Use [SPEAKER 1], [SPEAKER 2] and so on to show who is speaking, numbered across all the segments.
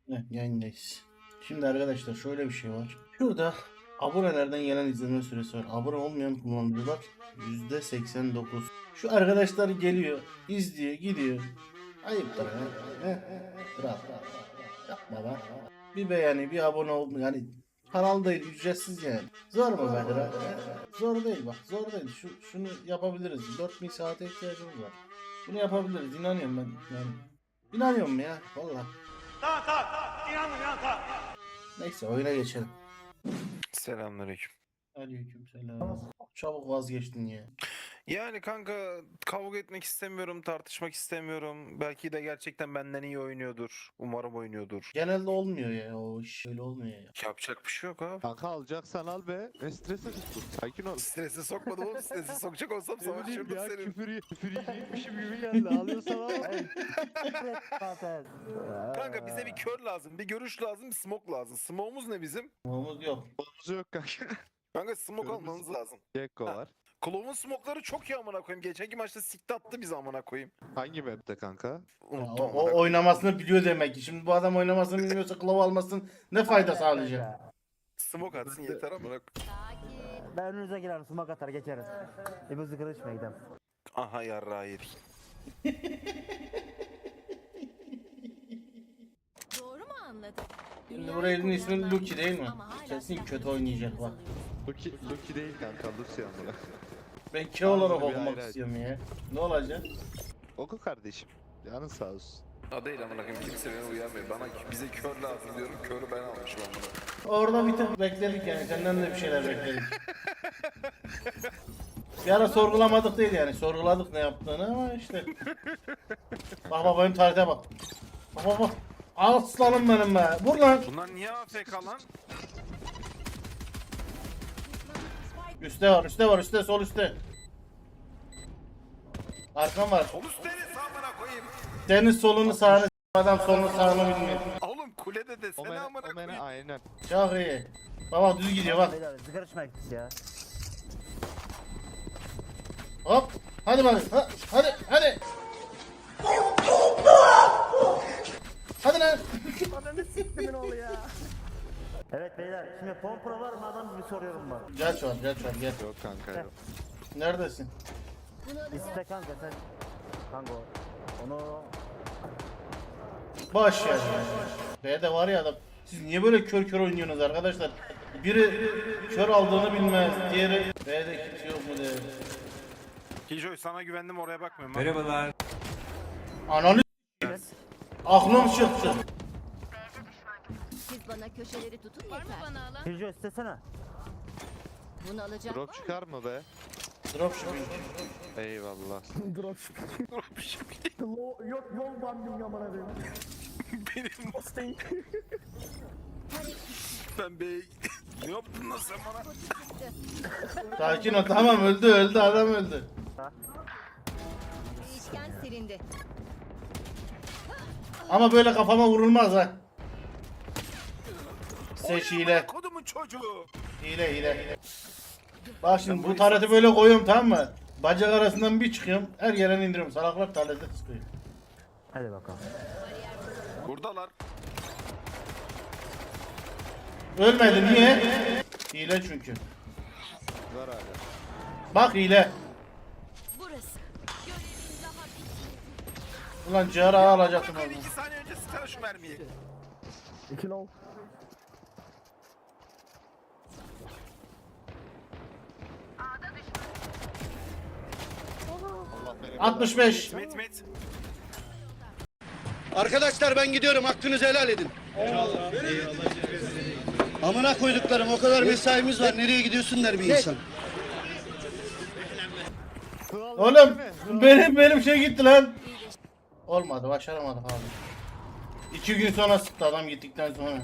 [SPEAKER 1] Evet, yayındayız. Şimdi arkadaşlar şöyle bir şey var. Şurada abonelerden gelen izleme süresi var. Abone olmayan kullanıcılar %89. Şu arkadaşlar geliyor, izliyor, gidiyor. Ayıptır ha. Rahat. Yapma lan. Bir beğeni, bir abone oldu. Yani kanal değil, ücretsiz yani. Zor mu be kral? Zor değil bak, zor değil. Şunu yapabiliriz. 4000 saate ihtiyacımız var. Bunu yapabiliriz, inanıyorum ben. Yani inanıyorum ya, vallahi.
[SPEAKER 2] Tamam tamam. İnandım tamam.
[SPEAKER 1] Neyse oyuna geçelim.
[SPEAKER 3] Selamünaleyküm.
[SPEAKER 1] Aleykümselam. Çabuk vazgeçtin ya.
[SPEAKER 3] Yani kanka kavga etmek istemiyorum, tartışmak istemiyorum. Belki de gerçekten benden iyi oynuyordur. Umarım oynuyordur.
[SPEAKER 1] Genelde olmuyor ya o iş. Öyle olmuyor ya.
[SPEAKER 3] Yapacak bir şey yok abi.
[SPEAKER 4] Kanka alacaksan al be. Ne strese tuttun? Sakin ol.
[SPEAKER 3] Strese sokmadım oğlum. Strese sokacak olsam
[SPEAKER 4] Ne bileyim
[SPEAKER 3] savaşırdım
[SPEAKER 4] ya
[SPEAKER 3] senin.
[SPEAKER 4] küfür yiyecekmişim gibi geldi. Alıyorsan al.
[SPEAKER 3] Kanka bize bir kör lazım, bir görüş lazım, bir smoke lazım. Smoke'umuz ne bizim?
[SPEAKER 1] Olmamız yok.
[SPEAKER 4] Olumuz yok kanka.
[SPEAKER 3] Kanka smoke
[SPEAKER 4] Körümüz-
[SPEAKER 3] almamız lazım.
[SPEAKER 4] Gekko
[SPEAKER 3] Ha.
[SPEAKER 4] var.
[SPEAKER 3] Klov'un smoke'ları çok iyi amına koyayım. Geçenki maçta sikti attı bizi amına koyayım.
[SPEAKER 4] Hangi map'te kanka?
[SPEAKER 1] Ya,
[SPEAKER 3] Unuttum
[SPEAKER 1] o
[SPEAKER 3] amına koyayım.
[SPEAKER 1] oynamasını biliyor demek ki. Şimdi bu adam oynamasını bilmiyorsa Klov almasın ne fayda sağlayacak?
[SPEAKER 3] Smoke atsın yeter amına koyayım.
[SPEAKER 5] Ben önünüze girerim, sumak atar geçeriz. İbuzu kılıçma gidelim.
[SPEAKER 3] Aha yarrağı yedik.
[SPEAKER 6] Doğru mu anladım?
[SPEAKER 1] Şimdi buraya elin ismi Lucky değil mi? Kesin kötü oynayacak bak.
[SPEAKER 4] Lucky değil kanka. Lucy amına.
[SPEAKER 1] Ben K olarak
[SPEAKER 4] Ağzını bir
[SPEAKER 1] okumak
[SPEAKER 4] ayrı aç.
[SPEAKER 1] istiyorum ya. Ne olacak?
[SPEAKER 4] Oku kardeşim. Canın sağ olsun.
[SPEAKER 3] O değil amına koyayım. Kimse beni uyarmıyor. Bize kör lazım diyorum. Körü ben almışım amına.
[SPEAKER 1] Orada bir tık bekledik yani. Senden de bir şeyler bekledik. Bir ara sorgulamadık değil yani. Sorguladık ne yaptığını ama işte. Bak bak benim tarihe bak. Bak bak bak. Aslanım benim be. Vur lan.
[SPEAKER 3] Bunlar niye AFK lan?
[SPEAKER 1] Üste var, üste var, üste, sol üste. Arkam var.
[SPEAKER 3] Sol üstte ne amına koyayım?
[SPEAKER 1] Senin solunu sağını adam solunu sağını bilmiyor.
[SPEAKER 3] Oğlum kulede desene
[SPEAKER 4] Omene,
[SPEAKER 3] amına
[SPEAKER 4] omene
[SPEAKER 3] koyayım.
[SPEAKER 4] aynen.
[SPEAKER 1] Çok iyi. Baba düz gidiyor bak.
[SPEAKER 5] Beyler sigara içmeye gittik ya.
[SPEAKER 1] Hop. Hadi bak. Hadi. Hadi. Hadi lan.
[SPEAKER 5] Ananı siktimin oğlu ya. Evet beyler, şimdi pompra var mı adam gibi soruyorum bak.
[SPEAKER 1] Geç var, gel.
[SPEAKER 4] Yok kanka yok.
[SPEAKER 1] Neredesin?
[SPEAKER 5] İste kanka sen. Kanka onu...
[SPEAKER 1] Boş ver. B'de var ya adam. Siz niye böyle kör oynuyorsunuz arkadaşlar? Biri kör aldığını bilmez, diğeri B'de kimse yok mu der.
[SPEAKER 3] Kijoy sana güvendim oraya bakmıyorum.
[SPEAKER 1] Ananı s**eyim. Aklım çıktı.
[SPEAKER 6] Siz bana köşeleri tutun yeter. Var mı bana alan?
[SPEAKER 5] Pirjo istesene.
[SPEAKER 6] Bunu alacak
[SPEAKER 4] Drop
[SPEAKER 6] var mı?
[SPEAKER 4] çıkar mı be?
[SPEAKER 1] Dropshipping.
[SPEAKER 4] Eyvallah.
[SPEAKER 5] Yok yol bandım yamana benim.
[SPEAKER 3] Benim Mustang. Ben bey. Ne yaptın lan sen bana?
[SPEAKER 1] Sakin ol, tamam öldü adam öldü.
[SPEAKER 6] Değişken silindi.
[SPEAKER 1] Ama böyle kafama vurulmaz ha. Seç hile.
[SPEAKER 3] Kodumun çocuğu.
[SPEAKER 1] Hile. Bak şimdi bu tareti böyle koyuyorum, tamam mı? Bacak arasından bir çıkıyorum. Her yerden indiriyorum. Salaklar tareti sıkıyor.
[SPEAKER 5] Hadi bakalım.
[SPEAKER 3] Buradalar.
[SPEAKER 1] Ölmedi niye? Hile çünkü.
[SPEAKER 4] Var hala.
[SPEAKER 1] Bak hile.
[SPEAKER 6] Burası. Görevin daha bitmedi.
[SPEAKER 1] Ulan ciğer ağa alacaktım
[SPEAKER 3] Ben
[SPEAKER 1] onu.
[SPEAKER 3] 2 saniye önce sıkar şu mermiyi.
[SPEAKER 5] 2 ol.
[SPEAKER 4] Allah benim
[SPEAKER 1] 65.
[SPEAKER 3] Met.
[SPEAKER 7] Arkadaşlar ben gidiyorum. Hakkınızı helal edin. Amına koyduklarım, o kadar mesaimiz var. Nereye gidiyorsun der bir insan.
[SPEAKER 1] Oğlum benim şey gitti lan. Olmadı, başaramadık abi. 2 gün sonra sıktı adam gittikten sonra.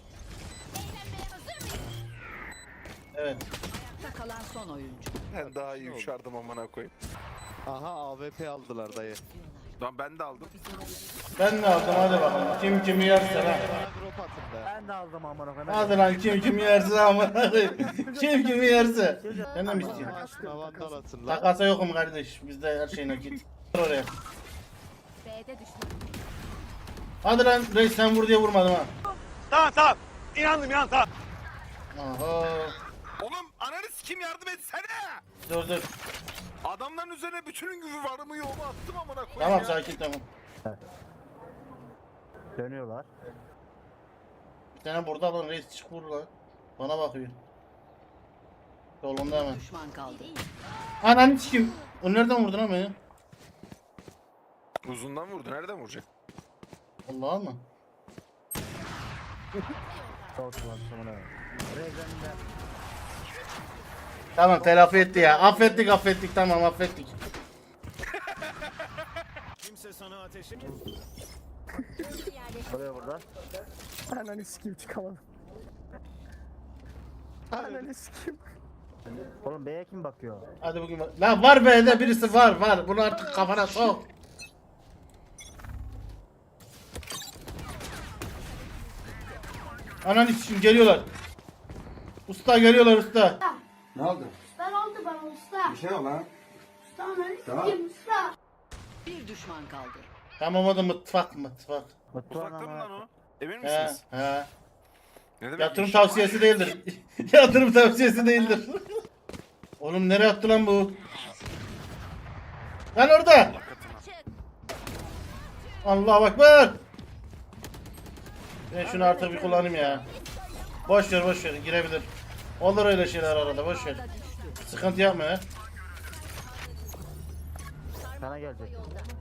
[SPEAKER 1] Evet.
[SPEAKER 6] Ayakta kalan son oyuncu.
[SPEAKER 3] Ben daha iyi uçardım amına koyayım.
[SPEAKER 4] Aha AWP aldılar dayı.
[SPEAKER 3] Lan ben de aldım.
[SPEAKER 1] Ben de aldım, hadi bakalım. Kim kimi yerse lan.
[SPEAKER 4] Bana drop atın be.
[SPEAKER 5] Ben de aldım amına koyayım.
[SPEAKER 1] Hadi lan kim kimi yerse amına koyayım. Kim kimi yerse. Sen de mi istiyorsun?
[SPEAKER 4] Aşkına vandal atın lan.
[SPEAKER 1] Takasa yokum kardeş. Bizde her şey nakit. Oraya.
[SPEAKER 6] B'de düşman.
[SPEAKER 1] Hadi lan reis sen vur diye vurmadım ha.
[SPEAKER 2] Tamam tamam. İnandım inan tamam.
[SPEAKER 1] Aha.
[SPEAKER 3] Oğlum ananı kim yardım etsene.
[SPEAKER 1] Dur.
[SPEAKER 3] Adamların üzerine bütün gücü varımı yoğumu attım amına koyayım
[SPEAKER 1] Tamam
[SPEAKER 3] ya.
[SPEAKER 1] sakin tamam.
[SPEAKER 5] Dönüyorlar.
[SPEAKER 1] Bir tane burada lan reis çık vur lan. Bana bakıyor. Solunda hemen.
[SPEAKER 6] Düşman kaldı.
[SPEAKER 1] Ananı sikim. O nereden vurdun lan beni?
[SPEAKER 3] Uzundan vurdu. Nereden vuracak?
[SPEAKER 1] Allah'a mı?
[SPEAKER 5] Sol kullanışımına. Regen'de.
[SPEAKER 1] Tamam telafi etti ya. Affettik tamam affettik.
[SPEAKER 5] Buraya burada.
[SPEAKER 8] Ananı sikeyim çıkamadım. Ananı sikeyim.
[SPEAKER 5] Oğlum B'ye kim bakıyor?
[SPEAKER 1] Hadi bugün bak. Lan var B'de birisi var. Bunu artık kafana sok. Ananı sikim geliyorlar. Usta geliyorlar usta.
[SPEAKER 9] Ben oldu bana usta. Bir şey yok lan. Usta sikeyim usta.
[SPEAKER 6] Bir düşman kaldı.
[SPEAKER 1] Tamam o da mutfak.
[SPEAKER 5] Mutluğun
[SPEAKER 3] Uzakta mı lan
[SPEAKER 5] ama.
[SPEAKER 3] o? Emin
[SPEAKER 1] He
[SPEAKER 3] misiniz?
[SPEAKER 1] he.
[SPEAKER 3] Ne demek?
[SPEAKER 1] Yatırım
[SPEAKER 3] inşallah?
[SPEAKER 1] tavsiyesi değildir. Yatırım tavsiyesi değildir. Oğlum nereye attı lan bu? Lan orada. Allah ekber. Ben şunu artık bir kullanayım ya. Boş ver girebilir. Olur öyle şeyler arada boş ver. Sıkıntı yapma ya.
[SPEAKER 5] Sana gelecek.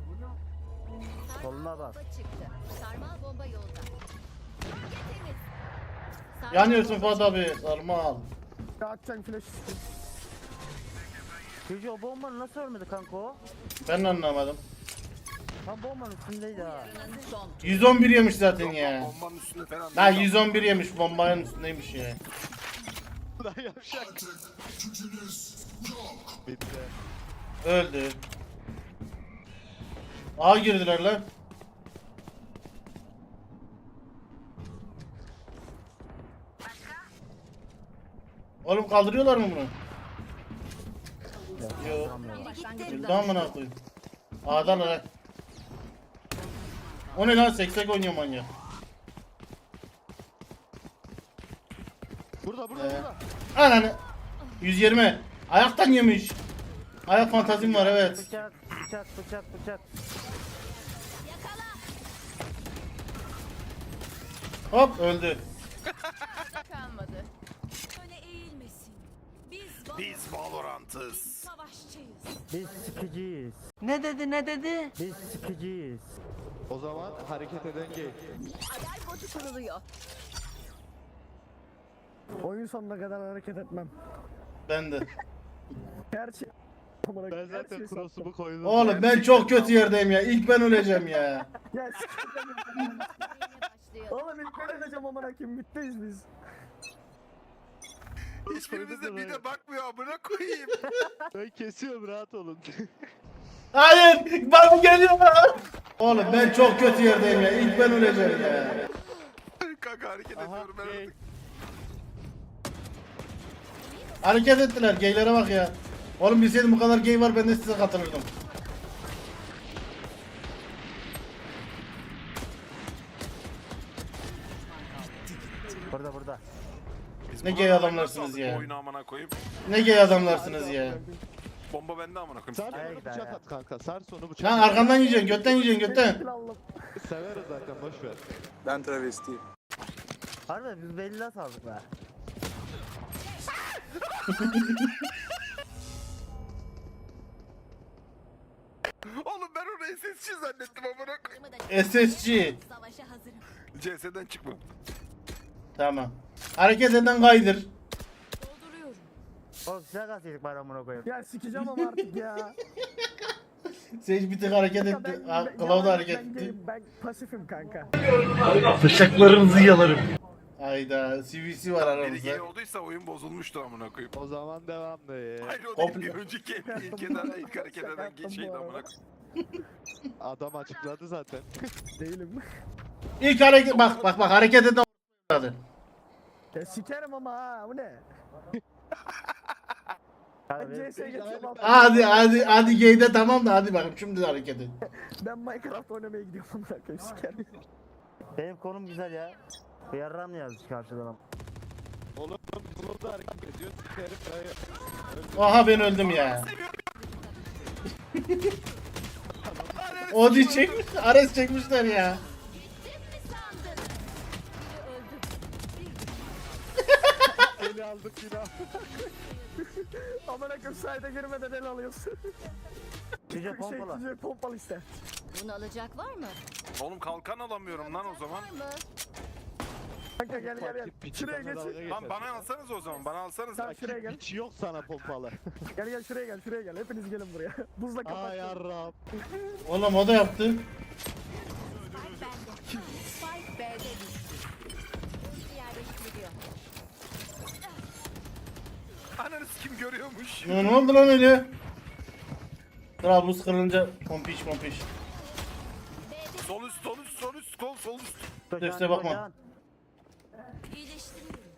[SPEAKER 5] Soluna bak.
[SPEAKER 6] Çıktı. Sarmal bomba yolda. Temiz. Sarmal
[SPEAKER 1] Yanıyorsun
[SPEAKER 6] bomba
[SPEAKER 1] Fuat abi. Sarmal.
[SPEAKER 8] Ya atacaksın flash sikeyim.
[SPEAKER 5] Çocuğu o bombanı nasıl ölmedi kanka o?
[SPEAKER 1] Ben de anlamadım.
[SPEAKER 5] Tam bombanın üstündeydi ha.
[SPEAKER 6] çıktı. Son.
[SPEAKER 1] 111 yemiş zaten ya.
[SPEAKER 3] Bombanın üstünde falan.
[SPEAKER 1] Lan 111 yemiş bombanın üstündeymiş ya.
[SPEAKER 4] Lan yavşak. Bitti.
[SPEAKER 1] Öldü. A girdiler lan. Oğlum kaldırıyorlar mı bunu? Yok. Öldü amına koyayım. A'dan lan. O ne lan seksek oynuyor manyak.
[SPEAKER 4] Burada burada
[SPEAKER 1] Ee.
[SPEAKER 4] burada.
[SPEAKER 1] Ananı. 120. Ayaktan yemiş. Ayak fantazim var evet.
[SPEAKER 5] Bıçak.
[SPEAKER 1] Hop öldü.
[SPEAKER 6] Kalmadı. Öne eğilmesin.
[SPEAKER 3] Biz Valorant'ız.
[SPEAKER 6] Savaşçıyız.
[SPEAKER 5] Biz sikiciyiz.
[SPEAKER 6] Ne dedi?
[SPEAKER 5] Biz sikiciyiz.
[SPEAKER 4] O zaman hareket eden gay.
[SPEAKER 6] Alarm botu kuruluyor.
[SPEAKER 8] Oyun sonuna kadar hareket etmem.
[SPEAKER 1] Ben de.
[SPEAKER 8] Her şey... Amına
[SPEAKER 4] Ben
[SPEAKER 8] her
[SPEAKER 4] zaten
[SPEAKER 8] şey
[SPEAKER 4] cross'umu koydum.
[SPEAKER 1] Oğlum ben çok kötü yerdeyim ya. İlk ben öleceğim ya.
[SPEAKER 8] Ya sikeyim.
[SPEAKER 6] Başlıyor.
[SPEAKER 8] Oğlum ilk ben edeceğim amına koyayım. Bitteyiz biz.
[SPEAKER 3] Hiçbirimiz de bir de bakmıyor amına koyayım.
[SPEAKER 4] Ben kesiyorum rahat olun.
[SPEAKER 1] Hayır. Bak geliyor. Oğlum ben çok kötü yerdeyim ya. İlk ben öleceğim ya.
[SPEAKER 3] Kanka hareket
[SPEAKER 4] Aha
[SPEAKER 3] ediyorum ben.
[SPEAKER 4] gay.
[SPEAKER 1] Hareket ettiler. Geylere bak ya. Oğlum bilseydim bu kadar gay var ben de size katılırdım.
[SPEAKER 5] Burada.
[SPEAKER 3] Biz
[SPEAKER 1] Ne
[SPEAKER 3] buna
[SPEAKER 1] gay
[SPEAKER 3] rağmen
[SPEAKER 1] adamlarsınız
[SPEAKER 3] nasıl
[SPEAKER 1] ya.
[SPEAKER 3] aldık Oyunu amına koyayım.
[SPEAKER 1] Ne gay adamlarsınız ya.
[SPEAKER 3] Bomba bende amına
[SPEAKER 4] Sar
[SPEAKER 3] koyayım.
[SPEAKER 5] Ay
[SPEAKER 4] sonu
[SPEAKER 5] be.
[SPEAKER 4] bıçak at kanka. Sar sonu bıçak
[SPEAKER 1] Lan
[SPEAKER 4] at.
[SPEAKER 1] arkandan yiyeceksin. Götten yiyeceksin götten.
[SPEAKER 8] Allah'ım.
[SPEAKER 4] Severiz zaten boş ver.
[SPEAKER 3] Ben travestiyim.
[SPEAKER 5] Harbi biz belli nasıl aldık be?
[SPEAKER 3] Oğlum ben onu SSC zannettim amına koyayım.
[SPEAKER 1] SSG.
[SPEAKER 6] Savaşa hazırım.
[SPEAKER 3] CS'den çıkma.
[SPEAKER 1] Tamam. Hareket eden kaydır.
[SPEAKER 6] Dolduruyorum.
[SPEAKER 5] Oğlum silah kalsaydık bari amına koyayım.
[SPEAKER 8] Ya sikeceğim ama artık ya.
[SPEAKER 1] Sage bir tık hareket etti. Kılavu da hareket etti.
[SPEAKER 8] Ben pasifim kanka.
[SPEAKER 1] Bıçaklarınızı yalarım. Hayda. CVC var
[SPEAKER 3] Biri
[SPEAKER 1] aramızda.
[SPEAKER 3] gay olduysa oyun bozulmuştu amına koyayım.
[SPEAKER 4] O zaman devamlı.
[SPEAKER 3] Hayır o
[SPEAKER 1] Komple-
[SPEAKER 3] değil bir önceki ilk hareket eden
[SPEAKER 8] Şaka
[SPEAKER 3] şeydi
[SPEAKER 8] yaptım bu
[SPEAKER 3] amına koyayım.
[SPEAKER 4] Adam açıkladı zaten.
[SPEAKER 8] Değilim.
[SPEAKER 1] İlk hareket bak hareket eden adı.
[SPEAKER 8] Ya sikerim ama ha bu ne?
[SPEAKER 5] Harbi.
[SPEAKER 8] Ben CS'ye geçiyorum.
[SPEAKER 1] Hadi gayde tamam da hadi bakayım şimdi de hareket et.
[SPEAKER 8] Ben Minecraft oynamaya gidiyorum amına koyayım sikerim.
[SPEAKER 5] Benim konum güzel ya. Bir yarram yazmış karşıdan ama.
[SPEAKER 4] Oğlum bunu da hareket ediyor. Sikerim dayı.
[SPEAKER 1] Aha ben öldüm ya. Odi çekmiş, Ares çekmişler ya.
[SPEAKER 4] Eli aldık yine.
[SPEAKER 8] Aman akım sayda girmeden el alıyorsun.
[SPEAKER 5] Cüce pompala.
[SPEAKER 8] Cüce pompalı işte.
[SPEAKER 6] Bunu alacak var mı?
[SPEAKER 3] Oğlum kalkan alamıyorum lan o zaman.
[SPEAKER 6] Var mı?
[SPEAKER 8] Kanka gel gel gel.
[SPEAKER 4] Piçi
[SPEAKER 8] Şuraya
[SPEAKER 4] bana dalga
[SPEAKER 8] geç.
[SPEAKER 4] geçer.
[SPEAKER 3] Lan bana alsanız o zaman, bana alsanız.
[SPEAKER 8] Sen şuraya gel.
[SPEAKER 4] Hiç yok sana pompalı.
[SPEAKER 8] Gel gel şuraya gel şuraya gel. Hepiniz gelin buraya. Buzla
[SPEAKER 4] Aa
[SPEAKER 8] kapat.
[SPEAKER 4] yarrab.
[SPEAKER 1] Oğlum o da yaptı.
[SPEAKER 6] Spike bende. Spike B'de düştü. Ulti yerleştiriliyor.
[SPEAKER 3] Ananız kim görüyormuş?
[SPEAKER 1] Ya ne oldu lan öyle? Trabzon kırılınca pompiş pompiş.
[SPEAKER 3] Sol üst, sol üst, sol üst, kol, sol üst.
[SPEAKER 1] Üste bakma.
[SPEAKER 6] İyileştiriyorum.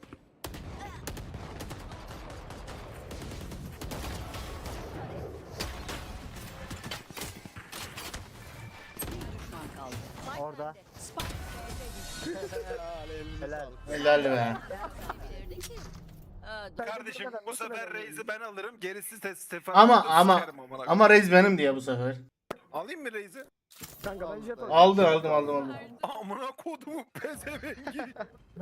[SPEAKER 5] Orada.
[SPEAKER 6] Spike B'de düştü.
[SPEAKER 5] Helal.
[SPEAKER 1] Helal be.
[SPEAKER 6] Çevirdi ki.
[SPEAKER 3] Kardeşim bu sefer Reis'i ben alırım, gerisi Stefan.
[SPEAKER 1] Ama Reis benim diye bu sefer.
[SPEAKER 3] Alayım mı Reis'i?
[SPEAKER 8] Kanka ben jet
[SPEAKER 1] Aldım.
[SPEAKER 3] Amına kodumu pezevengi.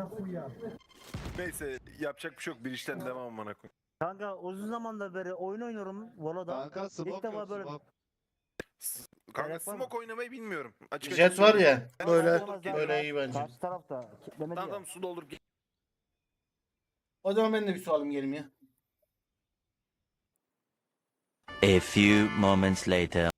[SPEAKER 3] Neyse yapacak bir şey yok, bir işten devam amına koy.
[SPEAKER 5] Kanka uzun zamandır beri oyun oynuyorum Volo'da.
[SPEAKER 4] Kanka
[SPEAKER 5] İlk
[SPEAKER 4] smoke
[SPEAKER 5] defa
[SPEAKER 4] yok
[SPEAKER 5] böyle
[SPEAKER 4] smoke.
[SPEAKER 3] Kanka
[SPEAKER 5] Gerek var mı?
[SPEAKER 3] smoke oynamayı bilmiyorum. Açık
[SPEAKER 1] Jet var ya. Böyle
[SPEAKER 5] Olamaz
[SPEAKER 1] böyle
[SPEAKER 5] zaten.
[SPEAKER 1] iyi bence.
[SPEAKER 5] Karşı tarafta kitlemedi
[SPEAKER 3] Tamam
[SPEAKER 5] ya.
[SPEAKER 3] tamam, su doldur.
[SPEAKER 1] O zaman ben de bir su alayım geleyim ya.
[SPEAKER 10] A few moments later.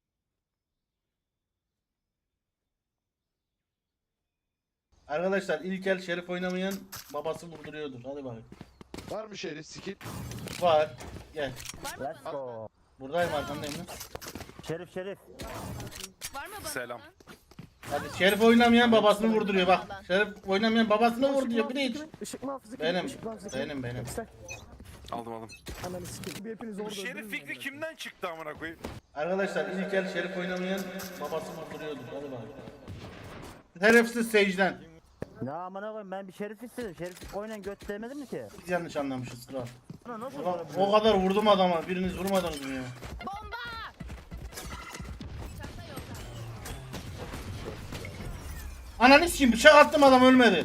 [SPEAKER 1] Arkadaşlar ilk el Şerif oynamayan babası vurduruyordur. Hadi bakayım.
[SPEAKER 4] Var mı şerif skill?
[SPEAKER 1] Var. Gel.
[SPEAKER 5] Let's go.
[SPEAKER 1] Buradayım arkandayım lan.
[SPEAKER 5] Şerif şerif.
[SPEAKER 6] Var mı bana?
[SPEAKER 3] Selam.
[SPEAKER 1] Hadi Şerif oynamayan babasını vurduruyor bak. Şerif oynamayan babasını vurduruyor. Bir de hiç.
[SPEAKER 8] Işık muhafızı kim?
[SPEAKER 1] Benim.
[SPEAKER 8] Işık muhafızı kim?
[SPEAKER 1] Benim.
[SPEAKER 8] İşte
[SPEAKER 3] Aldım aldım.
[SPEAKER 8] ananı sikeyim. Bir hepiniz
[SPEAKER 3] Bu
[SPEAKER 8] orada
[SPEAKER 3] şerif
[SPEAKER 8] öldürürüm
[SPEAKER 3] fikri
[SPEAKER 8] ben.
[SPEAKER 3] kimden çıktı amına koyayım?
[SPEAKER 1] Arkadaşlar ilk el Şerif oynamayan babası vurduruyordur. Hadi bakayım. Şerefsiz Sage'den.
[SPEAKER 5] Ne amına koyayım ben bir şerif istedim. Şerif oynayan göt demedim mi ki?
[SPEAKER 1] Biz yanlış anlamışız kral.
[SPEAKER 5] Ulan nasıl
[SPEAKER 1] Ulan,
[SPEAKER 5] böyle bir
[SPEAKER 1] o kadar vurdum adama. Biriniz vurmadınız mı ya?
[SPEAKER 6] Bomba! Çanta yolda.
[SPEAKER 1] Ananı sikeyim bıçak attım adam ölmedi.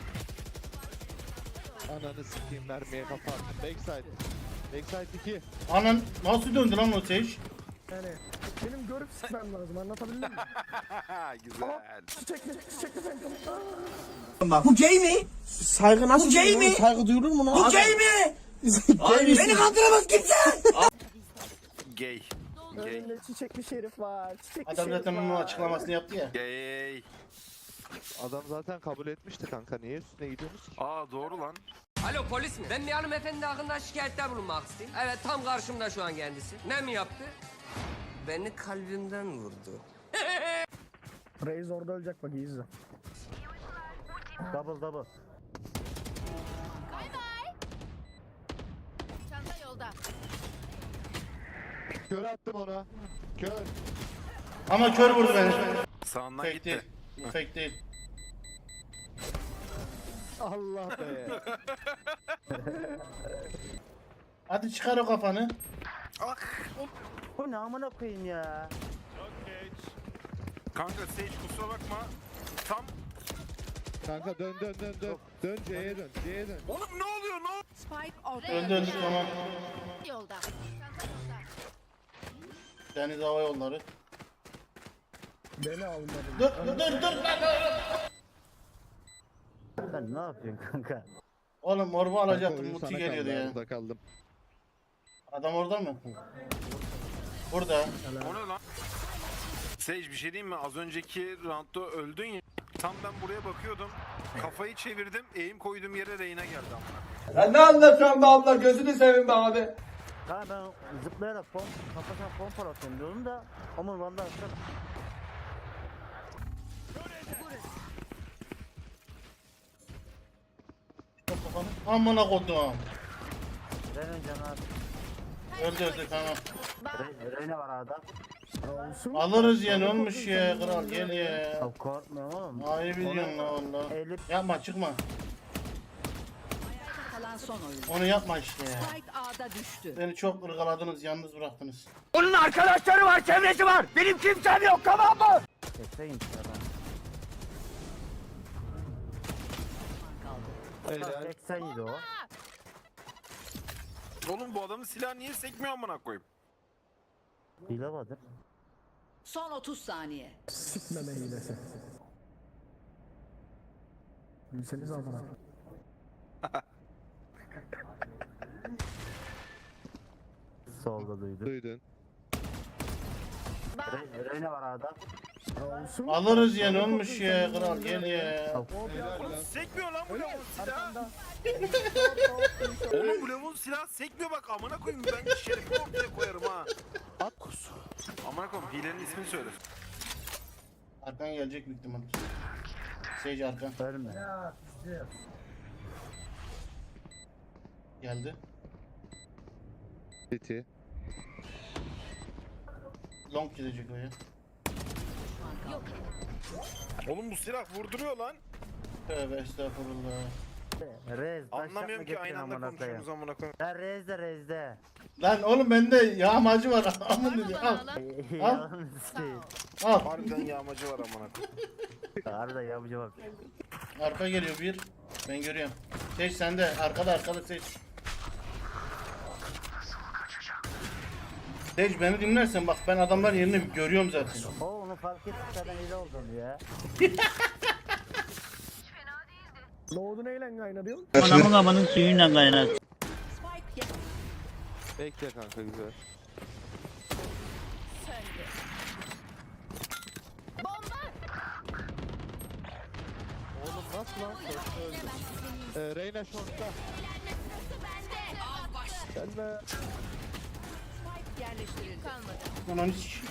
[SPEAKER 4] Ananı sikeyim mermiye kafa attım. Backside. Backside 2.
[SPEAKER 1] Anan nasıl döndü lan o Sage?
[SPEAKER 8] Yani benim görüp sıkmam lazım anlatabildim mi?
[SPEAKER 3] Güzel.
[SPEAKER 8] Çiçekli Phantom.
[SPEAKER 7] Bu gay mi? Saygı nasıl bu gay mi? Saygı duyulur mu lan? Bu gay mi? Beni kandıramaz kimse.
[SPEAKER 3] Gay. Gay.
[SPEAKER 8] Önünde çiçekli şerif var. Çiçekli
[SPEAKER 1] Adam
[SPEAKER 8] şerif
[SPEAKER 1] zaten
[SPEAKER 8] var.
[SPEAKER 1] onun açıklamasını yaptı ya.
[SPEAKER 3] Gay.
[SPEAKER 4] Adam zaten kabul etmişti kanka. Niye üstüne gidiyorsunuz ki?
[SPEAKER 3] Aa doğru lan.
[SPEAKER 11] Alo polis mi? Ben bir hanımefendi hakkında şikayette bulunmak istedim. Evet tam karşımda şu an kendisi. Ne mi yaptı? Beni kalbimden vurdu.
[SPEAKER 8] Reis orada ölecek bak iyi izle.
[SPEAKER 5] Double double.
[SPEAKER 6] Bay bay. Çanta yolda.
[SPEAKER 4] Kör attım ona. Kör.
[SPEAKER 1] Ama kör vurdu beni.
[SPEAKER 3] Sağından
[SPEAKER 1] Fake
[SPEAKER 3] gitti.
[SPEAKER 1] değil. Bu fake değil.
[SPEAKER 4] Allah be.
[SPEAKER 1] Hadi çıkar o kafanı.
[SPEAKER 5] Bu ne amına koyayım ya.
[SPEAKER 3] Kanka Sage kusura bakma. Tam.
[SPEAKER 4] Kanka dön. Dön C'ye dön. C'ye dön.
[SPEAKER 3] Oğlum ne oluyor ne oluyor?
[SPEAKER 6] Spike ortada.
[SPEAKER 1] Öldü tamam.
[SPEAKER 6] Yolda. Çanta yolda.
[SPEAKER 1] Deniz Hava Yolları.
[SPEAKER 8] Beni almadı.
[SPEAKER 1] Dur.
[SPEAKER 5] Sen ne yapıyorsun kanka?
[SPEAKER 1] Oğlum morbu
[SPEAKER 4] Kanka
[SPEAKER 1] alacaktım.
[SPEAKER 4] oyun
[SPEAKER 1] Muti
[SPEAKER 4] sana
[SPEAKER 1] geliyordu
[SPEAKER 4] kaldı,
[SPEAKER 1] ya.
[SPEAKER 4] Burada kaldım.
[SPEAKER 1] Adam orada mı? Burada.
[SPEAKER 3] O ne lan? Sage bir şey diyeyim mi? Az önceki roundda öldün ya. Tam ben buraya bakıyordum. Kafayı çevirdim. Eğim koyduğum yere Reyna geldi amına.
[SPEAKER 7] Ya ne anlatıyorsun be abla gözünü seveyim be abi.
[SPEAKER 5] Ha ben zıplayarak kafasına pompa atıyorum diyordum da ama valla atıyorum.
[SPEAKER 1] Amına kodum.
[SPEAKER 5] Reyna canı az.
[SPEAKER 1] Öldü tamam.
[SPEAKER 5] Reyna var arada.
[SPEAKER 8] Olsun.
[SPEAKER 1] Alırız ya, ne olmuş ya kral, gel ya.
[SPEAKER 5] Ya korkmuyorum oğlum.
[SPEAKER 1] Ayıp ediyorsun la valla.
[SPEAKER 5] Elif
[SPEAKER 1] Yapma, çıkma.
[SPEAKER 6] Kalan son oyun.
[SPEAKER 1] Onu yapma işte ya.
[SPEAKER 6] Spike A'da düştü.
[SPEAKER 1] Beni çok ırgaladınız, yalnız bıraktınız.
[SPEAKER 7] Onun arkadaşları var, çevresi var. Benim kimsem yok, tamam mı?
[SPEAKER 5] keseyim adam.
[SPEAKER 4] Helal.
[SPEAKER 5] 87 o.
[SPEAKER 3] Oğlum bu adamın silahı niye sekmiyor amına koyayım?
[SPEAKER 5] Hile vardır.
[SPEAKER 6] Son 30 saniye.
[SPEAKER 8] Sikmeme hilesi. Gülseniz amına.
[SPEAKER 5] Solda duydum.
[SPEAKER 4] Duydun.
[SPEAKER 5] Reyne var arada.
[SPEAKER 8] Olsun.
[SPEAKER 1] Alırız ya, ne olmuş ya kral, gel ya.
[SPEAKER 3] Oğlum sekmiyor lan bu lavun silahı. Oğlum bu lavun silahı sekmiyor bak amına koyayım, ben şerefimi ortaya koyarım ha.
[SPEAKER 4] At kusu.
[SPEAKER 3] Amına koyayım, hilenin ismini söyle.
[SPEAKER 1] Arkan gelecek büyük ihtimal. Sage arkan.
[SPEAKER 5] Ölme.
[SPEAKER 1] Geldi.
[SPEAKER 4] City.
[SPEAKER 1] Long gidecek o ya.
[SPEAKER 3] Oğlum bu silah vurduruyor lan.
[SPEAKER 1] Tövbe estağfurullah.
[SPEAKER 5] Rez. taş
[SPEAKER 3] Anlamıyorum
[SPEAKER 5] yapma
[SPEAKER 3] ki
[SPEAKER 5] getirin
[SPEAKER 3] aynı anda
[SPEAKER 5] amına koyayım.
[SPEAKER 3] konuşuyoruz amına koyayım.
[SPEAKER 5] Ya rezde.
[SPEAKER 1] Lan oğlum bende yağmacı var. Amın dedi. Al.
[SPEAKER 5] Yalan sikeyim.
[SPEAKER 1] Al.
[SPEAKER 3] Harbiden yağmacı var amına koyayım.
[SPEAKER 5] Arada yapıcı bak.
[SPEAKER 1] Arka geliyor bir. Ben görüyorum. Seç sende. Arkada seç. Seç, beni dinlersen bak, ben adamların yerini görüyorum zaten.
[SPEAKER 5] O onu fark ettik zaten hile oldum ya.
[SPEAKER 8] Doğdu neyle kaynadıyorsun?
[SPEAKER 10] Anamın amanın suyuyla kaynar.
[SPEAKER 6] Spike
[SPEAKER 4] Bekle kanka güzel.
[SPEAKER 6] söndü. Bomba.
[SPEAKER 4] Oğlum nasıl lan? Short'ta öldü. Reyna short'ta.
[SPEAKER 6] Av baş.
[SPEAKER 4] Gelme.
[SPEAKER 6] Spike yerleştirildi. Kalmadı.
[SPEAKER 1] Ananı s***.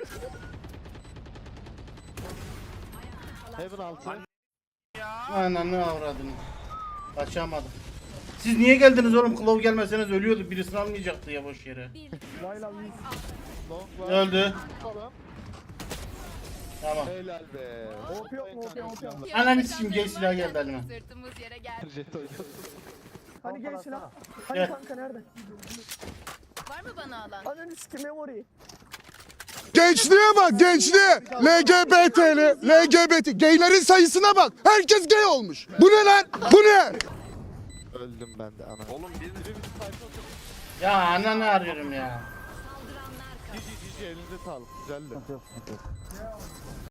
[SPEAKER 4] Heaven altı.
[SPEAKER 1] Ananı avradını. Kaçamadım. Siz niye geldiniz oğlum? Klov gelmeseniz ölüyordu. Birisini almayacaktı ya boş yere.
[SPEAKER 8] Vayla 100.
[SPEAKER 4] Long var.
[SPEAKER 1] Öldü.
[SPEAKER 4] Falan.
[SPEAKER 1] Tamam.
[SPEAKER 4] Helal be.
[SPEAKER 8] Hop yok mu, hop yok, hop yok.
[SPEAKER 1] Ananı s***im, gay silah geldi elime.
[SPEAKER 6] Sırtımız yere geldi.
[SPEAKER 4] Jet oynuyorsun.
[SPEAKER 8] Hani gel silah. Hani
[SPEAKER 1] Gel.
[SPEAKER 8] kanka nerede?
[SPEAKER 6] Var mı bana alan?
[SPEAKER 8] Hani sikim memory.
[SPEAKER 12] Gençliğe bak, gençliğe. LGBT'li, LGBT. Gaylerin sayısına bak. Herkes gay olmuş. Bu ne lan? Bu ne?
[SPEAKER 4] Öldüm ben de ana.
[SPEAKER 3] Oğlum bir
[SPEAKER 1] Ya ananı arıyorum ya.
[SPEAKER 4] Cici elinize sağlık. Güzeldi.
[SPEAKER 5] Yok.